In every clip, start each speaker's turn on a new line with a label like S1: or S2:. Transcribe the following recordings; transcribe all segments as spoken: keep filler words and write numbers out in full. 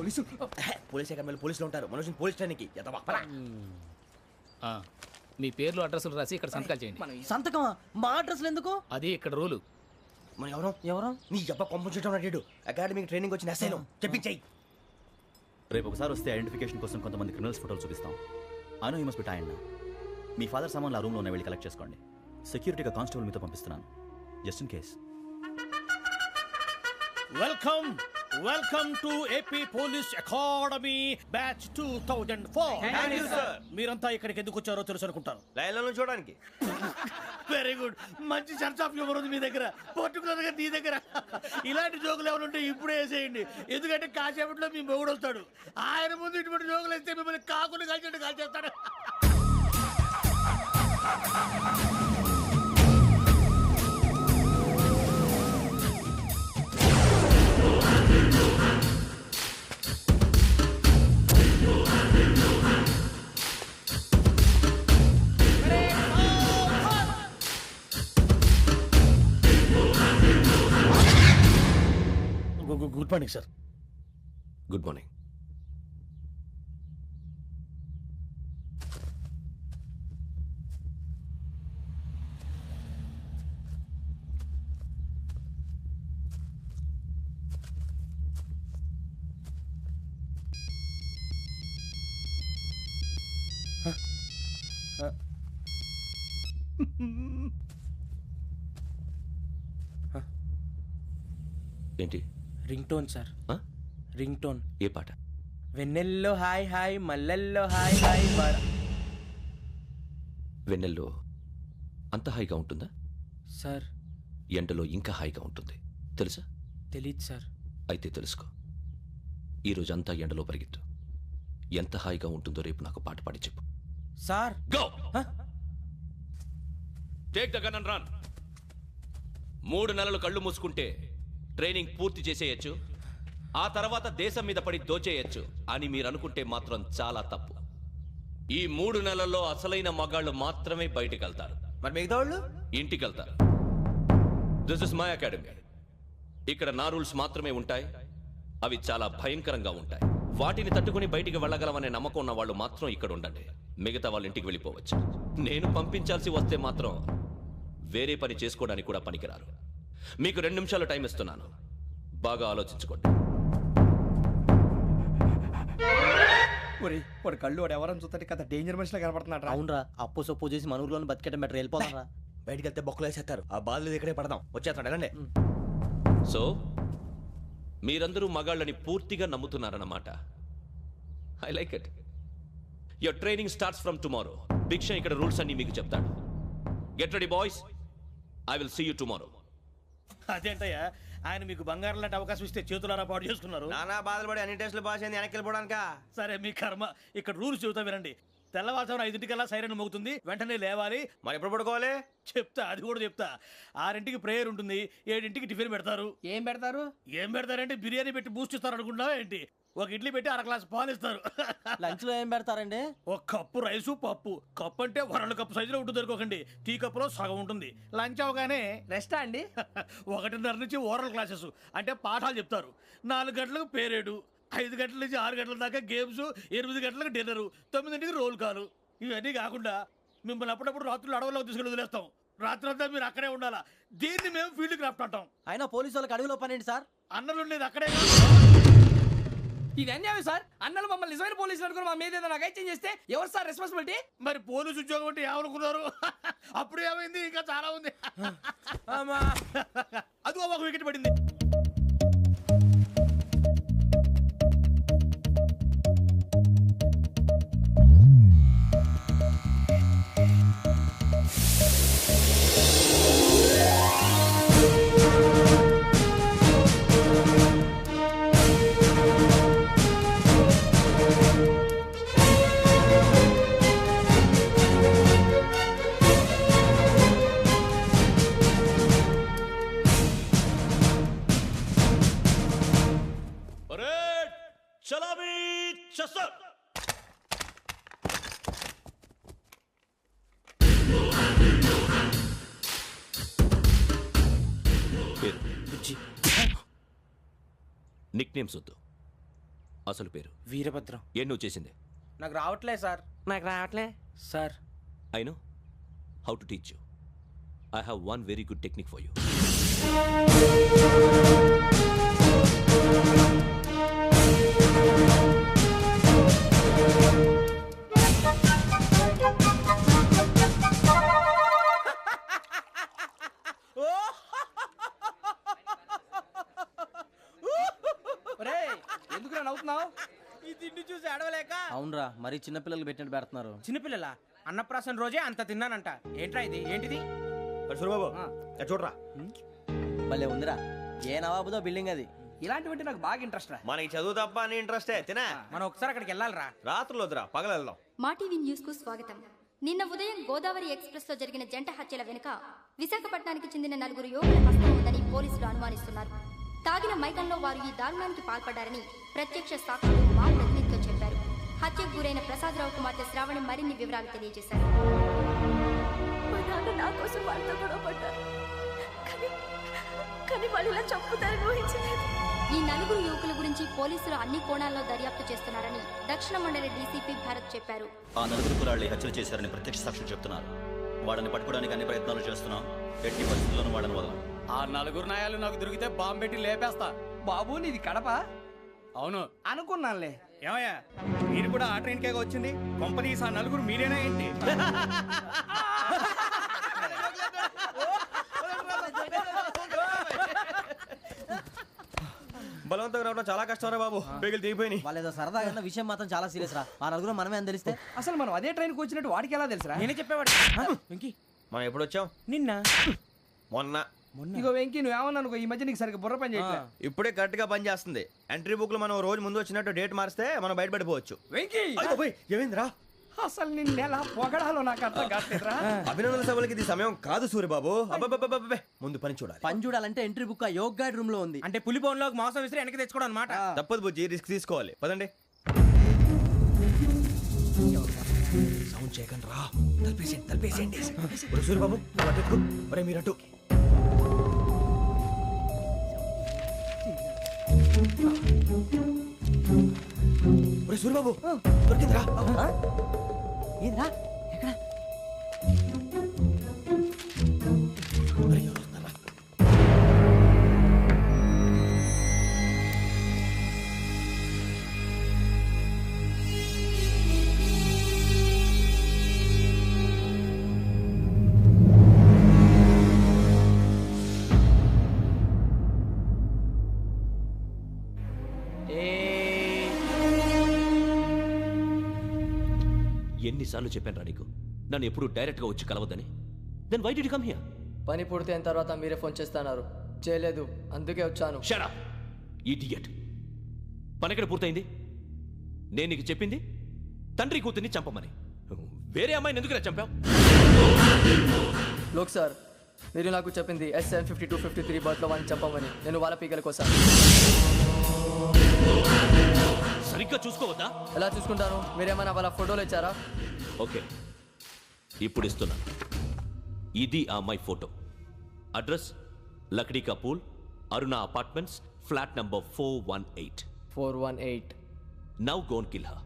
S1: Police police అకాడమీలో పోలీసులు ఉంటారు. మనోజ్ పోలీస్ ట్రైనింగ్కి
S2: మీ పేర్లు అడ్రస్లు రాసి ఇక్కడ సంతకాలు చేయండి.
S3: సంతకమా? మా అడ్రస్లు ఎందుకు?
S2: అది ఇక్కడ రూలు.
S1: మనం ఎవరు
S3: ఎవరు
S1: నీ అబ్బా పంపించడం అడిగాడు. అకాడమిక్ ట్రైనింగ్ వచ్చిన అసైలం చెప్పించాయి.
S4: రేపు ఒకసారి వస్తే ఐడెంటిఫికేషన్ కోసం కొంతమంది క్రిమినల్స్ ఫోటోలు చూపిస్తాం. Anu you must be tired. మీ ఫాదర్ సామాన్లు ఆ రూమ్లో ఉన్న వెళ్ళి కలెక్ట్ చేసుకోండి. సెక్యూరిటీగా కానిస్టేబుల్ మీతో పంపిస్తున్నాను, just in case.
S5: Welcome welcome to AP police academy batch two thousand four. మీరంతా ఇక్కడికి ఎందుకు వచ్చారో తెలుసు అనుకుంటాను.
S1: లైన్లో చూడడానికి.
S5: Very good. మంచి సెన్స్ ఆఫ్ హ్యూమర్ ఉంది మీ దగ్గర, పర్టికులర్ గా నీ దగ్గర. ఇలాంటి జోకులు ఎవరు ఉంటే ఇప్పుడే వేసేయండి, ఎందుకంటే కాసేపట్లో మీ మొగుడు వస్తాడు. ఆయన ముందు ఇటువంటి జోకులు వేస్తే మిమ్మల్ని కాకుని కాల్చేట్టు కాల్చేస్తాడు. Good morning sir.
S1: Good morning. ఏంటి?
S3: Ring tone sir. Ring tone.
S1: ఏ పాట?
S3: వెన్నెల్లో హాయ్ హాయ్ మల్లెల్లో హాయ్ హాయ్.
S1: వెన్నెల్లో అంత హాయిగా ఉంటుందా
S3: సార్?
S1: ఎండలో ఇంకా హాయిగా ఉంటుంది తెలుసా?
S3: తెలీదు సార్.
S1: అయితే తెలుసుకో. ఈరోజు అంతా ఎండలో పరిగెత్తు. ఎంత హాయిగా ఉంటుందో రేపు నాకు పాట పాడి చెప్పు.
S3: Sir
S1: go take the gun and run. మూడు నెలలు కళ్ళు మూసుకుంటే ట్రైనింగ్ పూర్తి చేసేయచ్చు, ఆ తర్వాత దేశం మీద పడి దోచేయచ్చు అని మీరు అనుకుంటే మాత్రం చాలా తప్పు. ఈ మూడు నెలల్లో అసలైన మగాళ్ళు మాత్రమే బయటికి వెళ్తారు.
S3: మరి మిగతా వాళ్ళు
S1: ఇంటికి వెళ్తారు. This is my academy. ఇక్కడ నా రూల్స్ మాత్రమే ఉంటాయి. అవి చాలా భయంకరంగా ఉంటాయి. వాటిని తట్టుకుని బయటికి వెళ్ళగలమనే నమ్మకం ఉన్న వాళ్ళు మాత్రం ఇక్కడ ఉండండి. మిగతా వాళ్ళు ఇంటికి వెళ్ళిపోవచ్చు. నేను పంపించాల్సి వస్తే మాత్రం వేరే పని చేసుకోవడానికి కూడా పనికిరారు. మీకు రెండు నిమిషాలు టైం ఇస్తున్నాను, బాగా ఆలోచించుకోండి.
S3: వాడు కళ్ళు వాడు ఎవరని చూస్తే కదా డేంజర్ మనిషిలో కనపడుతున్నాడు. అవునరా, అప్పు సొప్పు చేసి మన ఊర్లో బతికేయడం బెటర్. వెళ్ళిపోతారా?
S1: బయటికి వెళ్తే బొక్కలు వేసేస్తారు. ఆ బాధలు ఇక్కడే పడదాం. వచ్చేస్తాడు వెళ్ళండి. సో మీరందరూ మగాళ్ళని పూర్తిగా నమ్ముతున్నారన్నమాట. I like it. Your training starts from tomorrow. Bhiksha ఇక్కడ రూల్స్ అన్ని మీకు చెప్తాడు. Get ready boys, I will see you tomorrow.
S5: అదేంటయ్యా, ఆయన మీకు బంగారం లాంటి అవకాశం ఇస్తే చేతులారా పాటు చేసుకున్నారు.
S3: నానా బాధలు పడి అన్ని టెస్టులు పాస్ అయింది, వెనక్కి వెళ్ళిపోవడానికా?
S5: సరే మీ కర్మ. ఇక్కడ రూల్స్ చెబుతా వినండి. తెల్లవారుజామున ఐదింటికల్లా సైరన్ మోగుతుంది, వెంటనే లేవాలి.
S3: మరి ఎప్పుడు పడుకోవాలి?
S5: చెప్తా, అది కూడా చెప్తా. ఆరింటికి ప్రేయర్ ఉంటుంది, ఏడింటికి టిఫిన్ పెడతారు.
S3: ఏం పెడతారు?
S5: ఏం పెడతారంటే బిర్యానీ పెట్టి బూస్ట్ ఇస్తారు అనుకుంటున్నావా ఏంటి? ఒక ఇడ్లీ పెట్టి అర గ్లాస్ పాలు ఇస్తారు.
S3: లంచ్ లో ఏం పెడతారండి?
S5: ఒక కప్పు రైసు పప్పు. కప్పు అంటే వరల్డ్ కప్పు సైజులో ఉంటుంది అనుకోకండి. టీ కప్పులో సగం ఉంటుంది. లంచ్ అవగానే
S3: రెస్టా అండి?
S5: ఒకటిన్నర నుంచి ఓరల్ క్లాసెస్ అంటే పాఠాలు చెప్తారు. నాలుగు గంటలకు పేరేడు, ఐదు గంటల నుంచి ఆరు గంటల దాకా గేమ్స్, ఎనిమిది గంటలకు డిన్నరు, తొమ్మిదింటికి రోల్ కాలు. ఇవన్నీ కాకుండా మిమ్మల్ని అప్పుడప్పుడు రాత్రులు అడవుల్లో తీసుకెళ్ళి వదిలేస్తాం. రాత్రి అంతా మీరు అక్కడే ఉండాలా. దీన్ని మేము ఫీల్డ్ క్రాఫ్ట్ అంటాం.
S3: అయినా పోలీసు వాళ్ళకి అడవిలో పని ఏంటి సార్?
S5: అన్నలు ఉండేది అక్కడే.
S3: ఇది అన్యాయం సార్. అన్నలు మమ్మల్ని నిజమైన పోలీసులు అనుకుని మా మీద ఏదైనా నగైత్యం చేస్తే ఎవరు సార్ రెస్పాన్సిబిలిటీ?
S5: మరి పోలీసు ఉద్యోగం అంటే ఏమనుకున్నారు? అప్పుడు ఏమైంది, ఇంకా చాలా ఉంది. అది ఒక వికెట్ పడింది.
S1: నిక్ నేమ్స్ వద్దు, అసలు పేరు?
S6: వీరభద్రం.
S1: ఏం నువ్వు చేసింది?
S6: నాకు రావట్లే సార్. నాకు రావట్లే sir.
S1: I know how to teach you. I have one very good technique for you.
S3: ఎందుకు నవ్వుతున్నావు?
S6: ఈ తిండి చూసి అడవలేక.
S7: అవునరా, మరి చిన్నపిల్లలు పెట్టినట్టు పెడుతున్నారు.
S6: చిన్నపిల్లల అన్నప్రాసన రోజే అంత తిన్నానంట. ఏంట్రా ఇది? ఏంటిది?
S4: సూరిబాబు చూడరా,
S7: భలే ఉందిరా. ఏ నవాబుదో బిల్డింగ్ అది.
S3: ఇలాంటివంటే నాకు బాగా ఇంట్రెస్ట్ రా.
S8: మనకి చదువు తప్ప అని ఇంట్రెస్టే తినా.
S6: మనం ఒకసారి అక్కడికి వెళ్ళాలిరా.
S8: రాత్రులు వద్దురా, పగలు వెళ్దాం.
S9: మా టీవీ న్యూస్ కు స్వాగతం. నిన్న ఉదయం గోదావరి ఎక్స్ప్రెస్ లో జరిగిన జంట హత్యల వెనుక విశాఖపట్నానికి చెందిన నలుగురు యువకుల హస్తం ఉందని పోలీసులు అనుమానిస్తున్నారు. తాగిన మైకంలో వారు ఈ దారుణానికి పాల్పడ్డారని ప్రత్యక్ష సాక్షులు మా ప్రతినిధితో చెప్పారు. హత్యకు గురైన ప్రసాదరావు కుమార్తె శ్రావణి మరిన్ని వివరాలు తెలియజేశారు.
S10: మా నాన్న నా కోసం వాళ్ళతో గొడవ పడ్డారు, కానీ కానీ వాళ్ళు ఇలా చంపుతారని ఊహించలేదు.
S9: ఈ నలుగురు యువకుల గురించి పోలీసులు అన్ని కోణాల్లో దర్యాప్తు చేస్తున్నారని దక్షిణ మండలి డీసీపీ భరత్ చెప్పారు.
S4: ఆ నలుగురు కులాళ్ళి హత్యలు చేశారని ప్రత్యక్ష సాక్షులు చెప్తున్నారు. వాళ్ళని పట్టుకోవడానికి అన్ని ప్రయత్నాలు చేస్తున్నాం. ఎట్టి పరిస్థితుల్లోనూ వాళ్ళని వదలం.
S7: ఆ నలుగురు నాయాలు నాకు దొరికితే బాంబు పెట్టి లేపేస్తా.
S3: బాబు నీది కడప?
S7: అవును
S3: అనుకున్నానులే.
S5: ఏమయ్యా, మీరు కూడా ఆ ట్రైన్ కేగా వచ్చింది? కంపెనీస్ ఆ నలుగురు మీరేనా ఏంటి?
S8: బలవంతంగా రావడం చాలా కష్టం రా బాబు. బేగులు దిగిపోయినాయి.
S7: వాళ్ళు ఏదో సరదాగా విషయం మాత్రం చాలా సీరియస్ రా. ఆ నలుగురు మనమే అని తెలిస్తే
S3: అసలు మనం అదే ట్రైన్కి వచ్చినట్టు వాడికి ఎలా తెలుసురా?
S6: నేనే చెప్పేవాడు. వెంకీ,
S8: మనం ఎప్పుడు వచ్చాం?
S6: నిన్న
S8: మొన్న.
S3: ఇగో వెంకీ, నువ్వేమన్నా అనుకో, ఈ మధ్య నీకు సరిగ్గా బుర్ర పని చేయట్లే.
S8: ఇప్పుడే కరెక్ట్ గా పని చేస్తుంది. ఎంట్రీ బుక్ లో మనం రోజు ముందు వచ్చినట్టు డేట్ మారిస్తే మనం బయటపడిపోవచ్చు.
S3: వెంకీ,
S8: ఏమైందిరా?
S3: అసలు నిన్న ఎలా పొగడాలో నాకు అర్థం కావట్లేదురా.
S8: అభినందన సభలకి ఇది సమయం కాదు సూరిబాబు. అబ్బబ్బబ్బబ్బబ్బే, ముందు పని చూడాలి.
S7: పని చూడాలంటే ఎంట్రీ బుక్ ఆ యోగ్ గైడ్ రూమ్ లో ఉంది.
S6: అంటే పులి బోన్ లోకి మాంసం విసిరి వెనక్కి తెచ్చుకోవడం అనమాట.
S8: తప్పదు బుజ్జి, రిస్క్ తీసుకోవాలి. పదండి. సౌండ్ చేయకండి రా. తలపేసేయండి, తలపేసేయండి. సూరిబాబు ఒరే మీరట్టు. ఒరే సూరిబాబు, దొరికిందిరా.
S7: ఏంద్రా ఎక్కడ?
S8: ఒరే, ఎవరు వస్తున్నారా?
S1: ఎన్నిసార్లు చెప్పాను రా నీకు, నన్ను ఎప్పుడు డైరెక్ట్ గా వచ్చి కలవద్దని? Then why did you come here?
S11: పని పూర్తయిన తర్వాత మీరే ఫోన్ చేస్తున్నారు. చేయలేదు, అందుకే వచ్చాను.
S1: Shut up idiot. పని ఎక్కడ పూర్తయింది? నేను నీకు చెప్పింది తండ్రి కూతుర్ని చంపమని. వేరే అమ్మాయిని ఎందుకు చంపావు?
S11: లోక్ సార్, మీరు నాకు చెప్పింది S seven fifty two fifty three బర్త్లో వాళ్ళని చంపమని. నేను వాళ్ళ పీకల కోసం.
S1: సరిగ్గా చూసుకోవద్దా?
S11: ఎలా చూసుకుంటాను? మీరేమైనా వాళ్ళ ఫోటోలు ఇచ్చారా?
S1: ఓకే, ఇప్పుడు ఇస్తున్నాను. ఇది ఆ అమ్మాయి photo. Address Lakdi ka Pul, Aruna apartments, flat number four one eight.
S11: Four one eight.
S1: Now go and kill her.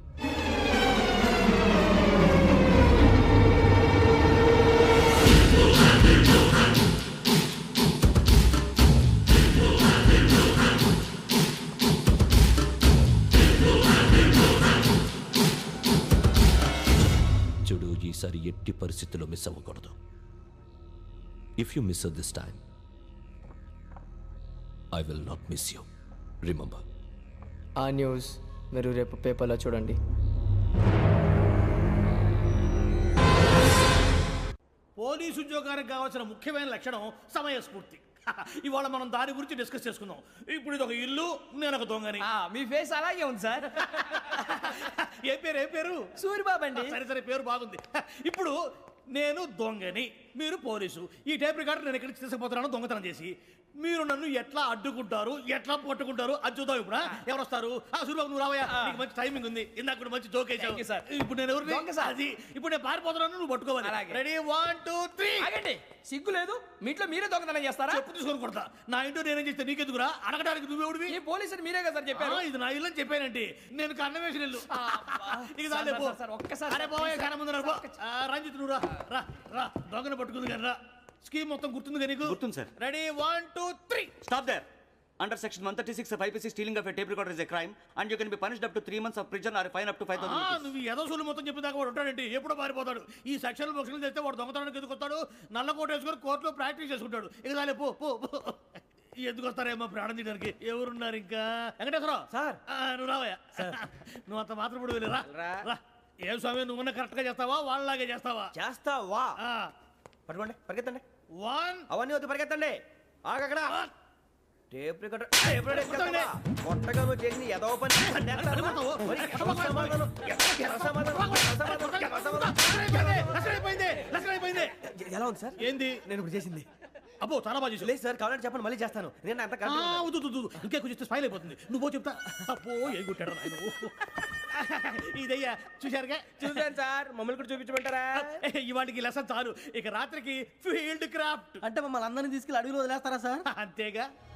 S1: చూడు, ఈసారి ఎట్టి పరిస్థితుల్లో మిస్ అవ్వకూడదు. If you miss this time, I will not miss you. Remember.
S11: ఆ న్యూస్ మీరు రేపు పేపర్లో చూడండి.
S5: పోలీసు ఉద్యోగానికి కావాల్సిన ముఖ్యమైన లక్షణం సమయస్ఫూర్తి. ఇవాళ మనం దాని గురించి డిస్కస్ చేసుకుందాం. ఇప్పుడు ఇది ఒక ఇల్లు, నేను ఒక దొంగని.
S3: మీ ఫేస్ అలాగే ఉంది సార్.
S5: ఏ పేరు ఏ పేరు?
S3: సూరిబాబు అండి.
S5: సరే సరే, పేరు బాగుంది. ఇప్పుడు నేను దొంగని, మీరు పోలీసు. ఈ టైప్ రికార్డు నేను ఎక్కడికి తీసుకుపోతున్నాను దొంగతనం చేసి. మీరు నన్ను ఎట్లా అడ్డుకుంటారు, ఎట్లా పట్టుకుంటారు అది చూద్దాం. ఇప్పుడు ఎవరు వస్తారు? సూర్యబాబు నువ్వు రావయ్యా, నీకు మంచి టైమింగ్ ఉంది. ఇందాక కూడా మంచి జోక్ వేసావు సార్. ఇప్పుడు నేను ఎవరు? అది ఇప్పుడు నేను పారిపోతున్నాను, నువ్వు పట్టుకోవాలి. Ready, one two three.
S3: ఆగండి, సిగ్గు లేదు? మీ ఇంట్లో మీరే దొంగతనం చేస్తారా?
S5: చెప్పు తీసుకొని కొడతా. నా ఇంట్లో నేనేం చేస్తే నీకెందుకురా? అడగడానికి నువ్వెవడివి?
S3: ఈ పోలీసులు మీరే కదా సార్ చెప్పారు.
S5: ఇది నా ఇల్లు అని చెప్పానంటే నేను కన్న వేసిన ఇల్లు. ఇక చాలే పో.
S3: ఒక్కసారి
S5: అరే బాబాయ్ కన్న ముందు రా. రంజిత్ నువ్వు రా రా రా. దొంగను పట్టుకుంది కానీ రా. స్కీమ్ మొత్తం గుర్తుంది కదా నీకు?
S12: గుర్తుంది sir.
S5: Ready, one two three.
S12: Stop there. Under section one thirty-six of I P C, stealing of a tape recorder is a crime, and you can be punished up to three months of prison or a fine up to five thousand rupees.
S5: నువ్వు ఏదో సూలు మొత్తం చెప్పిన దాకా వాడు ఉంటాడంటే ఎప్పుడో పారిపోతాడు. ఈ సెక్షన్ బొక్షన్లు చేస్తే వాడు దొంగతనానికి ఎందుకు వస్తాడు? నల్ల కోట వేసుకొని కోర్టులో ప్రాక్టీస్ చేసుకుంటాడు. ఇక చాలే పో పో పో. ఎందుకు వస్తారేమో ప్రాణం తీయడానికి. ఎవరున్నారు ఇంకా? వెంకటేశ్వరరావు సార్, నువ్వు రావయ్యా. నువ్వు అంత మాత్రం ఇప్పుడు వెళ్ళి రా రా. ఏం స్వామి, నువ్వు కరెక్ట్ గా చేస్తావా వాళ్ళలాగే చేస్తావా?
S8: చేస్తావా? పట్టుకోండి, పరిగెత్తండి.
S5: వన్.
S8: అవన్నీ వద్దు, పరిగెత్తండి. ఆగక్కడ టేప్ రికార్డర్ టేప్ రికార్డర్ కొత్తగా నువ్వు చేసింది ఏదో పని.
S7: ఎలా ఉంది సార్?
S5: ఏంది
S7: నేను ఇప్పుడు చేసింది?
S5: అబ్బో చాలా బాగా చేసావు.
S7: లేదు సార్, కావాలంటే చెప్పండి, మళ్ళీ చేస్తాను. నేను అంత
S5: ఇంకే కొంచెం స్పైల్ అయిపోతుంది. నువ్వు చెప్తా. అబ్బో ఏ గుట్టాడు ఆయన. ఇదయ్యా చూశారుగా?
S6: చూసాను సార్, మమ్మల్ని కూడా చూపించమంటారా?
S5: ఇవాటికి లెసన్ చాలు. ఇక రాత్రికి ఫీల్డ్ క్రాఫ్ట్
S7: అంటే మమ్మల్ని అందరినీ తీసుకెళ్ళి అడవిలో వదిలేస్తారా సార్?
S5: అంతేగా.